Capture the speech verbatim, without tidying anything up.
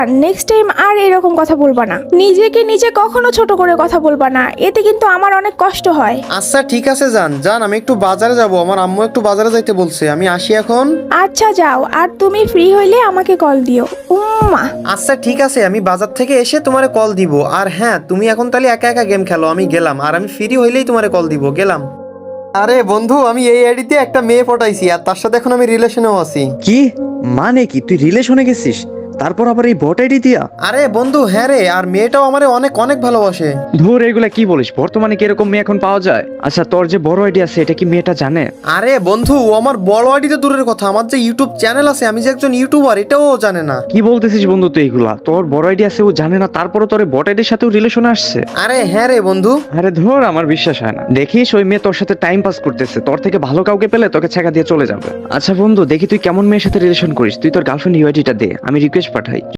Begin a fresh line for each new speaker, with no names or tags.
Next time আর এরকম কথা বলবা না, নিজেকে নিজে কখনো ছোট করে কথা বলবা না, এতে কিন্তু আমার অনেক কষ্ট হয়।
আচ্ছা ঠিক আছে যান যান, আমি একটু বাজারে যাব, আমার আম্মু একটু বাজারে যাইতে বলছে, আমি আসি এখন।
আচ্ছা যাও, আর তুমি ফ্রি হইলে আমাকে কল দিও। উম্মা।
আচ্ছা ঠিক আছে, আমি বাজার থেকে এসে তোমারে কল দিব। আর হ্যাঁ, তুমি এখন তাহলে একা একা গেম খেলো, আমি গেলাম। আর আমি ফ্রি হইলেই তোমারে কল দিব, গেলাম। আরে বন্ধু, আমি এই আইডিতে একটা মেয়ে পটাইছি, আর তার সাথে এখন আমি রিলেশনেও আছি।
কি মানে কি, তুই রিলেশনে গেছিস, তারপর আবার এই বট আইডি দিয়া?
আরে বন্ধু হ্যাঁ রে, আর মেয়েটাও আমারে অনেক অনেক ভালোবাসে।
ধুর, এগুলা কি বলিস? বর্তমানে কি এরকম মেয়ে এখন পাওয়া যায়? আচ্ছা, তোর যে বড় আইডি আছে এটা কি মেয়েটা জানে?
আরে বন্ধু, ও আমার বড় আইডিতে দূরের কথা, আমার যে ইউটিউব চ্যানেল আছে, আমি যে একজন ইউটিউবার, এটাও ও জানে না।
কি বলতেছিস বন্ধু তুই এইগুলা? তোর বড় আইডি আছে ও জানে না, তারপরও তোর বট আইডির সাথেও রিলেশনে আসছে?
আরে হ্যাঁ রে বন্ধু।
আরে ধর, আমার বিশ্বাস হয় না। দেখিস ওই মেয়ে তোর সাথে টাইম পাস করতেছে, তোর থেকে ভালো কাউকে পেলে তোকে ছেঁকা দিয়ে চলে যাবে। আচ্ছা বন্ধু, দেখি তুই কেমন মেয়ের সাথে রিলেশন করিস। তুই তোর গার্লফ্রেন্ড ইউআইডিটা দে, আমি রিকোয়েস্ট পাঠাই।